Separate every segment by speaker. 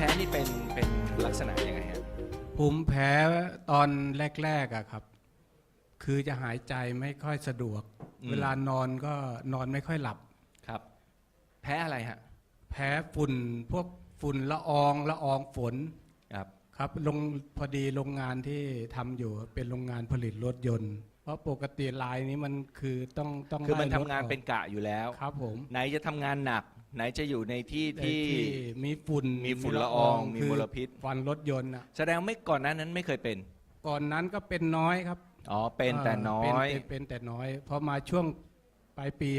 Speaker 1: พ้นี่เป็นลักษณะยังไงฮะ
Speaker 2: ภูมิแพ้ตอนแรกๆอะครับคือจะหายใจไม่ค่อยสะดวกเวลานอนก็นอนไม่ค่อยหลับ
Speaker 1: ครับแพ้อะไรฮะ
Speaker 2: แพ้ฝุ่นพวกฝุ่นละอองฝนครับพอดีโรงงานที่ทำอยู่เป็นโรงงานผลิตรถยนต์เพราะปกติลายนี้มันคือต้อง
Speaker 1: คือมันทำงานเป็นกะอยู่แล้ว
Speaker 2: ครับผม
Speaker 1: ไหนจะทำงานหนักไหนจะอยู่ในที่
Speaker 2: มีฝุ่น
Speaker 1: ละอองมีมลพิษ
Speaker 2: ฟันรถยนต์
Speaker 1: แสดงไม่ก่อนนั้นไม่เคยเป็น
Speaker 2: ก่อนนั้นก็เป็นน้อยครับ
Speaker 1: อ๋อเป็นแต่น้อย
Speaker 2: เป็นแต่น้อยพอมาช่วงปลายปี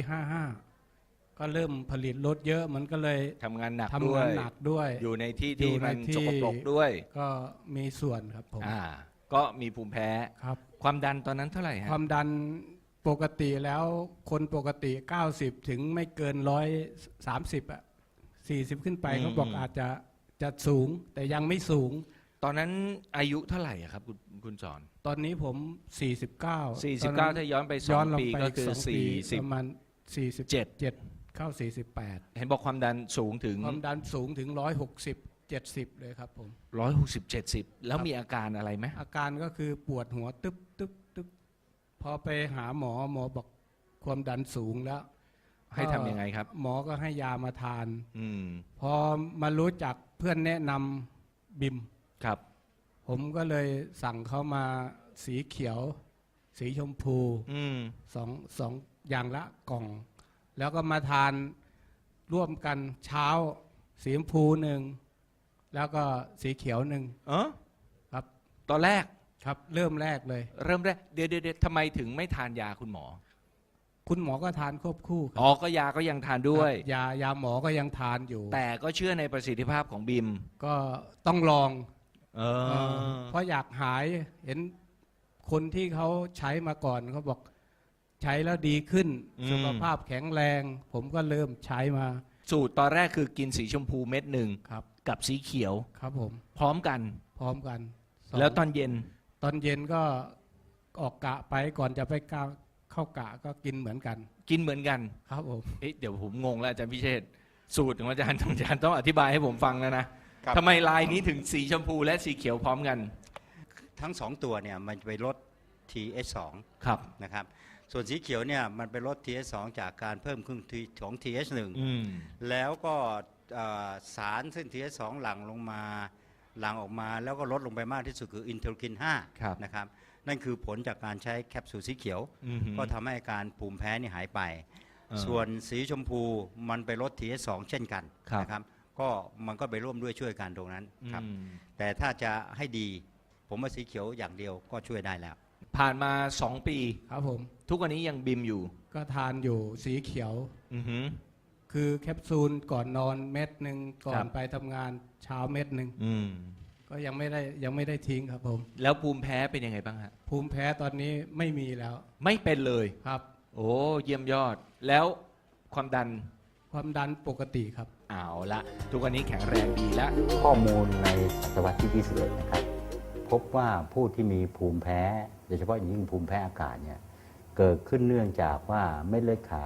Speaker 2: 55ก็เริ่มผลิตรถเยอะมันก็เลย
Speaker 1: ทำงานหนัก
Speaker 2: ด้วย
Speaker 1: อยู่ในที่ที่มันสกปรกด้วย
Speaker 2: ก็มีส่วนครับผม
Speaker 1: ก็มีภูมิแพ้
Speaker 2: ครับ
Speaker 1: ความดันตอนนั้นเท่าไหร่ฮะ
Speaker 2: ความดันปกติแล้วคนปกติ90ถึงไม่เกิน130อ่ะ40ขึ้นไปเขาบอกอาจจะสูงแต่ยังไม่สูง
Speaker 1: ตอนนั้นอายุเท่าไหร่ครับคุณสอน
Speaker 2: ตอนนี้ผม
Speaker 1: 49ถ้าย้อนไป2 ปีก็คือ
Speaker 2: ประมาณ47เข้า48
Speaker 1: เห็นบอกความดันสูงถึง
Speaker 2: ความดันสูงถึง160-70เลยครับผม
Speaker 1: 160-70แล้วมีอาการอะไรไหม
Speaker 2: อาการก็คือปวดหัวตึ๊บพอไปหาหมอบอกความดันสูงแล้ว
Speaker 1: ให้ทำยังไงครับ
Speaker 2: หมอก็ให้ยามาทานพอมารู้จักเพื่อนแนะนำบิม
Speaker 1: ครับ
Speaker 2: ผมก็เลยสั่งเขามาสีเขียวสีชมพูสองอย่างละกล่องแล้วก็มาทานร่วมกันเช้าสีชมพู1แล้วก็สีเขียว1ครับ
Speaker 1: ตอนแรก
Speaker 2: ครับเริ่มแรกเ
Speaker 1: ดี๋ยวทำไมถึงไม่ทานยาคุณหมอ
Speaker 2: ก็ทานควบคู่
Speaker 1: อ๋อก็ยาก็ยังทานด้วย
Speaker 2: ยาหมอก็ยังทานอยู่
Speaker 1: แต่ก็เชื่อในประสิทธิภาพของบิม
Speaker 2: ก็ต้องลองเพราะอยากหายเห็นคนที่เขาใช้มาก่อนเขาบอกใช้แล้วดีขึ้นสุขภาพแข็งแรงผมก็เริ่มใช้มา
Speaker 1: สูตรตอนแรกคือกินสีชมพูเม็ด1
Speaker 2: ครับ
Speaker 1: กับสีเขียว
Speaker 2: ครับผม
Speaker 1: พร้อมกันแล้วตอนเย็น
Speaker 2: ก็ออกกะไปก่อนจะไปเข้ากะก็กินเหมือนกัน
Speaker 1: ครับผมเดี๋ยวผมงงแล้วอาจารย์พิเชษสูตรของอาจารย์ต้องอธิบายให้ผมฟังนะทำไมลายนี้ถึงสีชมพูและสีเขียวพร้อมกัน
Speaker 3: ทั้ง2ตัวเนี่ยมันไปลด TH2
Speaker 1: ครับ
Speaker 3: นะครับส่วนสีเขียวเนี่ยมันไปลด TH2 จากการเพิ่มขึ้นของ TH1 แล้วก็สารซึ่ง TH2 หลั่งออกมาแล้วก็ลดลงไปมากที่สุดคืออินเทอร์คิน5นะครับนั่นคือผลจากการใช้แคปซูลสีเขียวก็ทำให้อาการภูมิแพ้นี่หายไปส่วนสีชมพูมันไปลด TH2 เช่นกันนะครับก็มันก็ไปร่วมด้วยช่วยกันตรงนั้นครับแต่ถ้าจะให้ดีผมว่าสีเขียวอย่างเดียวก็ช่วยได้แล้ว
Speaker 1: ผ่านมา2 ปี
Speaker 2: ครับผม
Speaker 1: ทุกวันนี้ยังบิมอยู่
Speaker 2: ก็ทานอยู่สีเขียวคือแคปซูลก่อนนอนเม็ด1ก่อนไปทำงานเช้าเม็ด1ก็ยังไม่ได้ทิ้งครับผม
Speaker 1: แล้วภูมิแพ้เป็นยังไงบ้างฮะ
Speaker 2: ภูมิแพ้ตอนนี้ไม่มีแล้ว
Speaker 1: ไม่เป็นเลย
Speaker 2: ครับ
Speaker 1: โอ้เยี่ยมยอดแล้วความดัน
Speaker 2: ปกติครับ
Speaker 1: เอาละทุกวันนี้แข็งแรงดีแล้ว
Speaker 4: ข้อมูลในศตวรรษที่21นะครับพบว่าผู้ที่มีภูมิแพ้โดยเฉพาะอย่างยิ่งภูมิแพ้อากาศเนี่ยเกิดขึ้นเนื่องจากว่าเม็ดเลือดขาว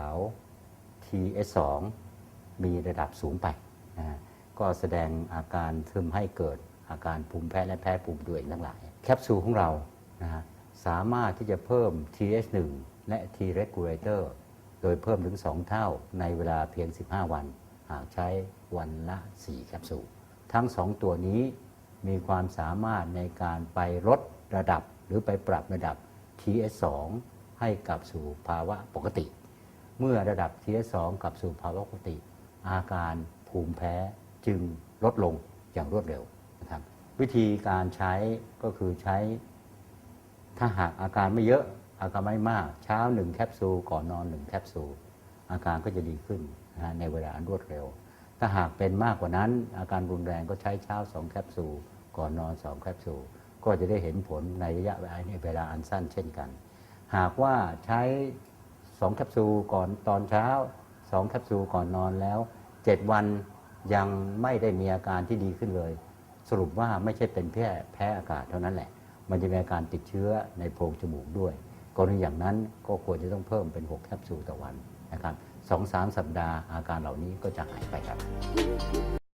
Speaker 4: TH2 มีระดับสูงไปก็แสดงอาการทำให้เกิดอาการภูมิแพ้และแพ้ภูมิตัวเองทั้งหลายแคปซูลของเราสามารถที่จะเพิ่ม TH1 และ T regulator โดยเพิ่มถึง2 เท่าในเวลาเพียง15 วันหากใช้วันละ4 แคปซูลทั้ง2 ตัวนี้มีความสามารถในการไปลดระดับหรือไปปรับระดับ TH2 ให้กลับสู่ภาวะปกติเมื่อระดับ TH2 กลับสู่ภาวะปกติอาการภูมิแพ้จึงลดลงอย่างรวดเร็วนะครับวิธีการใช้ก็คือใช้ถ้าหากอาการไม่เยอะอาการไม่มากเช้า1 แคปซูลก่อนนอน1 แคปซูลอาการก็จะดีขึ้นในเวลาอันรวดเร็วถ้าหากเป็นมากกว่านั้นอาการรุนแรงก็ใช้เช้า2 แคปซูลก่อนนอน2 แคปซูลก็จะได้เห็นผลในระยะเวลาอันสั้นเช่นกันหากว่าใช้2 แคปซูลก่อนตอนเช้า2 แคปซูลก่อนนอนแล้ว7 วันยังไม่ได้มีอาการที่ดีขึ้นเลยสรุปว่าไม่ใช่เป็นแพ้อากาศเท่านั้นแหละมันจะมีอาการติดเชื้อในโพรงจมูกด้วยกรณีอย่างนั้นก็ควรจะต้องเพิ่มเป็น6 แคปซูลต่อวันนะครับ2-3 สัปดาห์อาการเหล่านี้ก็จะหายไปครับ